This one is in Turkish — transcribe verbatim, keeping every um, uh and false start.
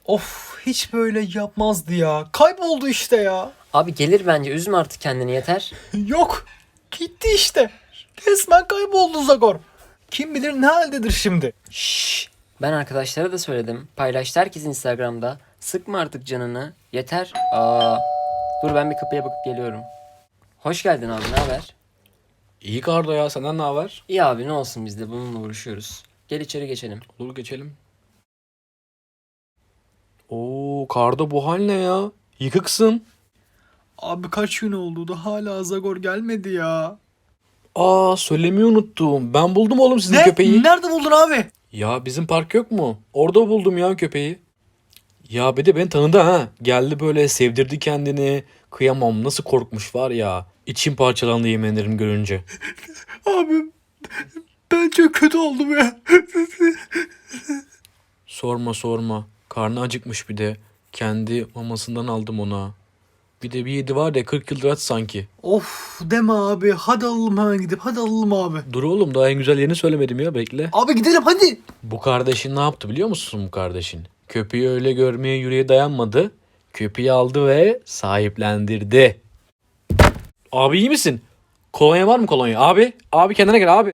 Of, hiç böyle yapmazdı ya. Kayboldu işte ya. Abi gelir bence, üzme artık kendini, yeter. Yok. Gitti işte. Resmen kayboldu Zagor. Kim bilir ne haldedir şimdi. Şşş. Ben arkadaşlara da söyledim. Paylaştı herkes Instagram'da. Sıkma artık canını. Yeter. Aa. Dur ben bir kapıya bakıp geliyorum. Hoş geldin abi, ne haber? İyi Kardo ya, senden ne haber? İyi abi, ne olsun, biz de bununla uğraşıyoruz. Gel içeri geçelim. Olur, geçelim. Oo Kardo, bu hal ne ya? Yıkıksın. Abi kaç gün oldu da hala Zagor gelmedi ya. Aa, söylemeyi unuttum. Ben buldum oğlum sizin Ne? köpeği. Nerede buldun abi? Ya bizim park yok mu? Orada buldum ya köpeği. Ya bir de beni tanıdı ha. Geldi böyle sevdirdi kendini. Kıyamam, nasıl korkmuş var ya. İçim parçalandı yemin ederim görünce. Abi ben çok kötü oldum ya. Sorma sorma. Karnı acıkmış bir de. Kendi mamasından aldım ona. Bir de bir yedi var ya, kırk yıldır aç sanki. Of deme abi. Hadi alalım hemen gidip. Hadi alalım abi. Dur oğlum, daha en güzel yerini söylemedim ya, bekle. Abi gidelim hadi. Bu kardeşin ne yaptı biliyor musun bu kardeşin? Köpeği öyle görmeye yüreği dayanmadı. Köpeği aldı ve sahiplendirdi. Abi iyi misin? Kolonya var mı kolonya? Abi, abi kendine gel abi.